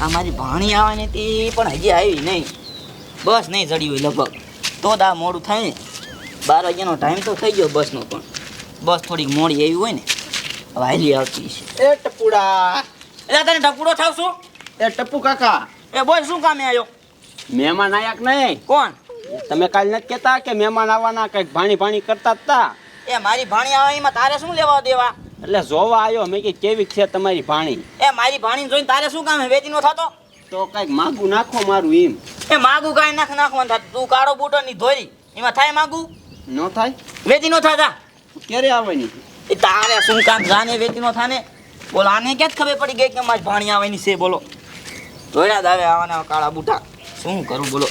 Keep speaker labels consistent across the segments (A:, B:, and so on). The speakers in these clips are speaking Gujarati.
A: આ મારી ભાણી આવવાની હતી પણ હજી આવી નહીં. બસ નહીં ચડી હોય લગભગ તો દા મોડું થાય ને. 12 વાગ્યાનો ટાઈમ તો થઈ ગયો બસનો, પણ બસ થોડીક મોડી આવી હોય ને હવે હાલી આવતી છે.
B: એ ટપુડા,
A: એટલે તને ટપુડો થાવ છું?
B: એ ટપુ કાકા,
A: એ બોલ શું કામે આવ્યો?
B: મહેમાન આયા કે નહીં?
A: કોણ?
B: તમે કાલ નથી કહેતા કે મહેમાન આવવાના, કંઈક ભાણી ભાણી કરતા હતા?
A: એ મારી ભાણી આવે એમાં તારે શું લેવા દેવા?
B: એટલે જોવા આવ્યો મેં કે કેવી છે તમારી ભાણી.
A: એ મારી ભાણી જોઈને તારે શું કામ? વેચી નો થતો
B: તો કંઈક માગું નાખો મારું એમ.
A: એ માગું કાંઈ નાખવાનું થતું. તું કાળો બૂટો ની ધોરી એમાં થાય માગું?
B: ન થાય?
A: વેચી નો થતા.
B: ક્યારે આવવાની?
A: એ તારે શું કામ? જાને વેચી નો થાને. બોલો આને ક્યાં ખબર પડી ગઈ કે મારી ભાણી આવવાની છે? બોલો ધોળા દાવે આવવાના કાળા બૂટા. શું કરું બોલો?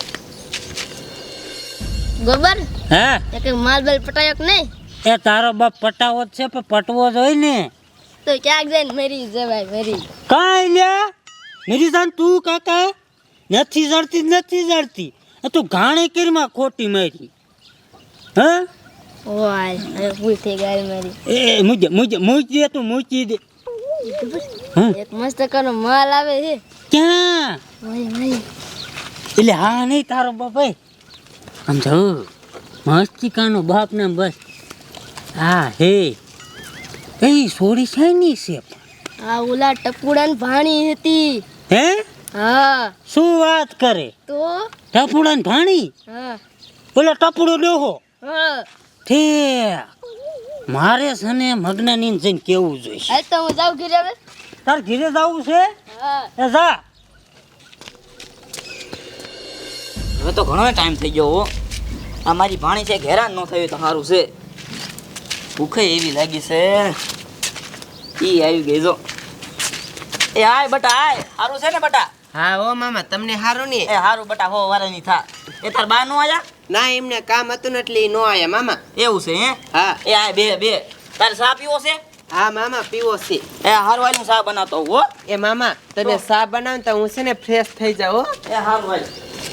C: ગોબર
D: હે
C: એક માલ બેલ પટાયો કે નહીં?
D: એ તારો બાપ પટાવો જ છે પણ પટવો જોઈએ ને.
C: તો ક્યાંક જઈને મરી જવાય મરી.
D: કાંઈ લ્યા મેરી જાન તું કાકા નથી જડતી. તું ઘાણી કરીમાં ખોટી મારી. હા
C: ઓય હવે ભૂલ થઈ ગઈ મારી.
D: એ મૂકી દે તું મૂકી દે.
C: એક મસ્ત કનો માલ આવે છે.
D: ક્યાં?
C: ઓય ઓય
D: એટલે હા નહીં તારો બાપ ભાઈ આમ જો મસ્તી કાનો બાપ ને બસ. હા હે એ સોરી શાની છે?
C: આ ઓલા ટપુડાની ભાણી હતી.
D: હે
C: હા
D: શું વાત કરે?
C: તો
D: ટપુડા ને ભાણી?
C: હા
D: બોલે ટપુડો ડોહો
C: હા
D: તે મારે છે ને મગનાની જઈને કેવું જોઈશે.
C: હાલ તો હું જાઉં ઘરે હવે.
D: તાર ઘરે જવું છે?
C: હા
D: એ જા.
A: હવે તો ઘણો ટાઈમ થઈ ગયો હો. આ મારી ભાણી છે હેરાન ન થયું તો સારું છે. ભૂખે એવી લાગી છે. ઈ આવી ગઈ જો. એ આય બટા આય. સારું છે ને બટા?
E: હા ઓ મામા તમને હારું ને?
A: એ સારું બટા હો વારાની થા. એ તાર બા નો આયા?
E: ના એમને કામ હતું ને એટલે નો આયા મામા.
A: એવું છે હે?
E: હા
A: એ આય બે. તારે ચા પીવો છે?
E: હા મામા પીવો છે.
A: એ હારું હાલ હું ચા બનાવતો હો.
E: એ મામા તમે સા બનાવ તો હું છે ને ફ્રેશ થઈ જાઉં.
A: એ હારું હાલ.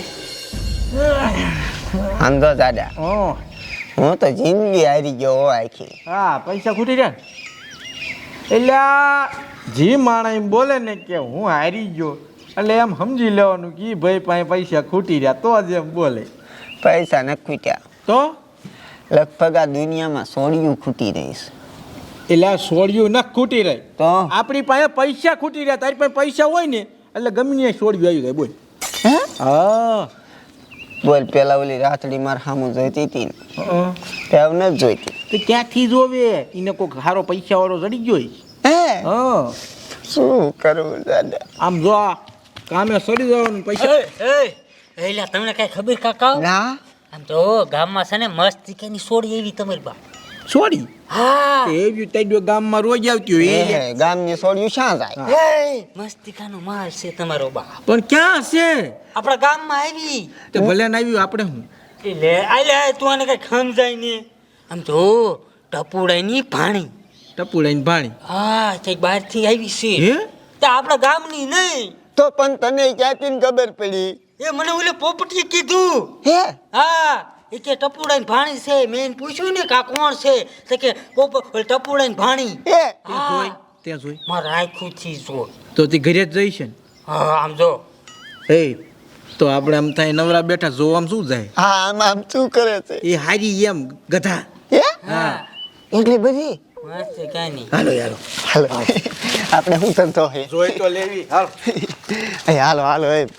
F: સમજો દાદા, હું તો જિંદગી હારી ગયો હો આખી.
G: હા પૈસા ખૂટી જાય એટલે જી માણસ એમ બોલે ને કે હું હારી ગયો એટલે એમ સમજી લેવાનું કે ઈ ભાઈ પાસે પૈસા ખૂટી રહ્યા તો જ એમ બોલે.
F: પૈસા ન ખૂટ્યા
G: તો
F: લગભગ આ દુનિયામાં સોડિયું ખૂટી રહીશ.
G: એટલે આ સોડિયું ન ખૂટી રહી
F: તો
G: આપણી પાસે પૈસા ખૂટી રહ્યા. તારી પાસે પૈસા હોય ને એટલે ગમે ત્યાં સોડિયું આવી જાય. બોલ
F: હે
G: હા
F: બોલ, પેલા ઓલી રાતડી માર સામું જોઈતી હતી ને તે હવે નથી જોઈતી.
G: તો ક્યાંથી જોવે? એને કોઈક સારો પૈસા વાળો જડી ગયો હોય.
F: હે
G: હા
F: શું કરવું દાદા?
G: આમ જો આ કામે સડી જવાનું પૈસા.
D: એટલે તમને કઈ ખબર કાકા?
F: ના
D: આમ તો ગામમાં છે ને મસ્તી કઈની સોડી એવી તમારી બા.
G: સોડી
D: હા
G: એવી તારી ગામમાં રોજ આવતી હોય એ.
F: એ ગામની સોડિયું શ્યાં જાય?
D: મસ્તી કાનો માલ છે તમારો બા.
G: પણ ક્યાં છે?
D: આપણા ગામમાં આવી.
G: તે ભલે ને આવ્યું આપણે હું
D: એટલે આલે તું આને કઈ સમજાય ને. આમ તો ટપુડાની ભાણી.
G: ટપુડાની ભાણી.
D: હા કઈક બહાર થી આવી છે.
G: હે
D: તે આપણા ગામની નહીં.
F: તો પણ તને ક્યાંથી ખબર પડી?
D: એ મને ઓલે પોપટીએ કીધું.
F: હે
D: હા એ કે ટપુડાની ભાણી છે. મેં એને પૂછ્યું ને કે આ કોણ છે? તો કે ટપુડાની ભાણી.
F: હે
G: જોઈ ત્યાં જોઈ
D: મારા આખું થી જો.
G: તો તે ઘરે જ જઈશ ને.
D: હા આમ જો.
G: એ તો આપણે આમ થાય નવરા બેઠા જોવામાં શું જાય?
F: હા આમ શું કરે છે?
G: એ હારી એમ ગધા.
F: હે
G: હા
F: એટલી બધી?
D: મસ્ત કઈ નહીં.
G: હાલો યાર
F: હાલો આપણે શું ધંધો હે?
G: જોઈ તો લેવી. હાલ
F: હાલો હાલો. એ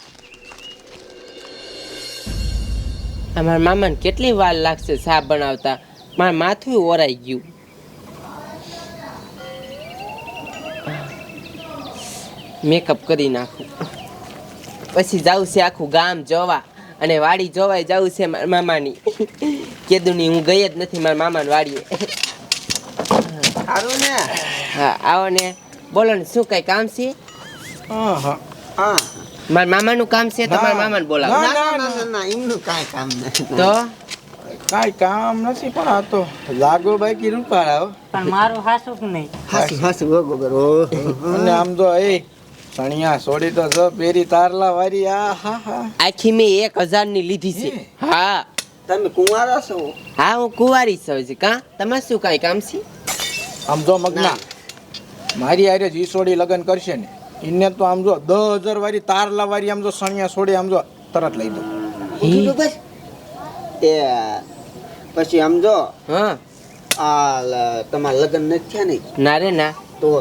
E: અમારા મામાને કેટલી વાર લાગશે સા બનાવતા? મારા માથું ઓરાઈ ગયું. મેકઅપ કરી નાખું પછી જાઉં છે આખું ગામ જોવા અને વાડી જોવાય જાઉં છે મારા મામાની. કેદુની હું ગઈ જ નથી મારા મામાની વાડીએ.
F: સારું ને?
E: હા આવો ને. બોલો ને શું કઈ કામ છે?
G: હા હા
F: હા
E: મારા મામાનું કામ છે તો મારા મામાને બોલાવો.
F: ના એમનું કાંઈ કામ નથી.
E: તો
G: કાંઈ કામ નથી પણ આ તો લાગો બાકી રૂપાળા.
D: પણ મારું હાસું કે નહીં?
F: હાસું હાસું ગોબર.
G: અને આમ જો એ સણિયા સોડી તો જો પેરી તારલા વારી. આ હા હા
E: આખી મેં 1000 ની લીધી છે. હા
F: તમે કુંવારા છો?
E: હા હું કુંવારી છું. કા તમારે શું કઈ કામ છે?
G: આમ જો મગના મારી આરે જી સોડી લગ્ન કરશે ને એને તો આમ જો 10,000 વાળી તારલા વાળી આમ જો સણિયા છોડી આમ જો તરત લઈ દો.
F: એ પછી આમ જો
E: હા
F: તમારા લગ્ન નથી થયા ને
E: ના રે ના
F: તો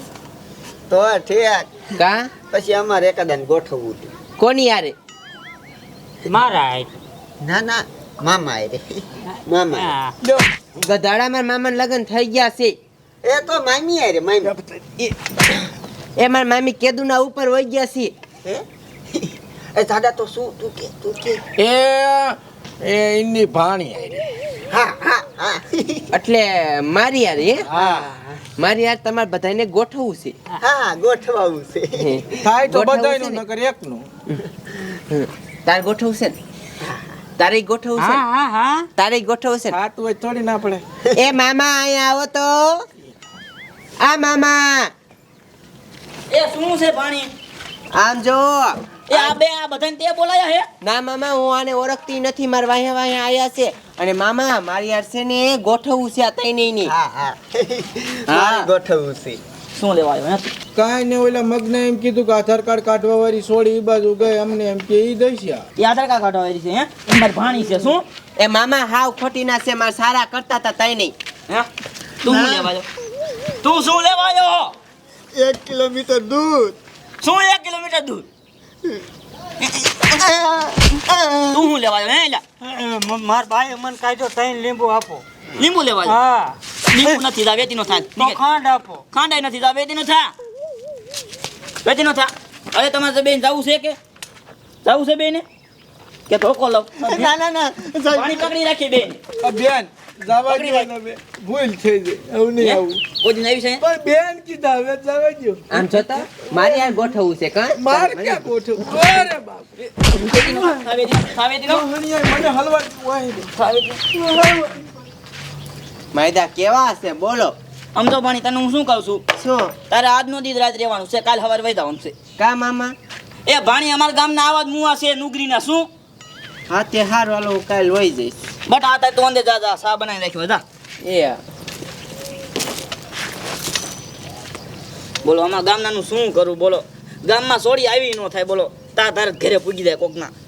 F: ઠીક
E: કા
F: પછી અમારે એકાદાને ગોઠવવું હતું.
E: કોની યારે
D: મારા હાય.
F: ના ના મામા એ રે મામા
D: હા.
G: જો
E: ગધાડામાં મામાના લગ્ન થઈ ગયા છે
F: એ તો મામી આ રે મામી
E: એ મારા મામી કેદુના ઉપર વહી ગયા છે
F: હે એ દાદા તો શું તું કે
G: એ એની ભાણી આઈ.
F: હા હા હા
E: એટલે મારી યારે હે?
G: હા
E: મારી યાર તમારે બધાને ગોઠવવું છે
F: હા ગોઠવાવું છે
G: થાય તો
E: ગોઠવવું
G: બધાયનું
E: છે ને?
G: નકર એકનું.
E: તારે ગોઠવવું છે ને તારે ગોઠવવું છે
D: હા
E: ને?
D: હા હા
E: તારે ગોઠવવું છે ને?
G: થાતું હોય થોડી ના પડે.
E: એ મામા અહીંયા આવો તો આ મામા
A: એ શું છે પાણી
E: આમ જો
A: એ આ બધાને તે બોલાયા હે
E: ના મામા હું આને ઓળખતી નથી મારા વાહ્યા વાહ્યા આયા છે અને મામા મારી યાર છે ને ગોઠવવું છે આ તઈ નહીં
F: હા હા મારે ગોઠવવું છે
A: શું લેવા આવ્યો હે
G: કાંઈ ને ઓલા મગને એમ કીધું કે આધાર કાર્ડ કાઢવા વાળી છોડી ઈ બાજુ ગઈ અમને એમ કે ઈ દઈશ યા.
A: એ આધાર કાર્ડ કાઢવા આવી છે હે મારી ભાણી છે શું
E: એ મામા હાવ ખોટી ના છે મારા સારા કરતા હતા તઈ નહીં
A: હે તું શું લેવા આવ્યો તું શું લેવા આવ્યો
F: 1 કિલોમીટર દૂર
A: શું 1 કિલોમીટર દૂર તું શું લેવા આવ્યો હે એલા
D: માર ભાઈ મને કાઢો તઈને લીંબુ આપો.
A: લીંબુ લેવા આવ્યો
D: હા
A: લીંબુ નથી જા વેતીનો થાય
D: તો ખાંડ આપો.
A: ખાંડાઈ નથી જા વેતીનો થા વેતીનો થા અરે તમારે બેન જાવું છે કે જાવું છે બેન કે ધોકો લવ
F: ના ના ના
A: પાણી પકડી રાખી બેન
G: આ બેન જવા
A: પકડી
G: દો ને બે. ભૂલ થઈ ગઈ એવું નહીં આવું.
A: કોઈ દિન આવી છે
G: પણ બેન કીધા હવે જવા દો.
E: આમ જોતા મારી યાર ગોઠવવું છે કા
G: માર ક્યાં ગોઠવ. અરે બાપ રે.
A: વેતીનો થા વેતીનો
G: હણિયાઈ મને હલવા વાહી દે.
A: થા વેતીનો
E: માયદા કેવા છે બોલો
A: આમ તો પાણી તને હું શું કહું છું
E: શું
A: તારે આજનો દી રાત રહેવાનું છે કાલ સવારે વહી જવાનું છે
E: કા મામા
A: એ ભાણી અમારા ગામના આવા જ મુવા છે નુગરીના શું
E: હા તે હારું હાલો હું કાલ વહી જઈશ
A: બટ આ તાર તો અંદે જા જા સા બનાવી રાખ્યો જા
E: એ
A: બોલો અમારા ગામનાનું શું કરું બોલો ગામમાં સોડી આવી ન થાય બોલો તાર ઘરે પૂગી જાય કોકના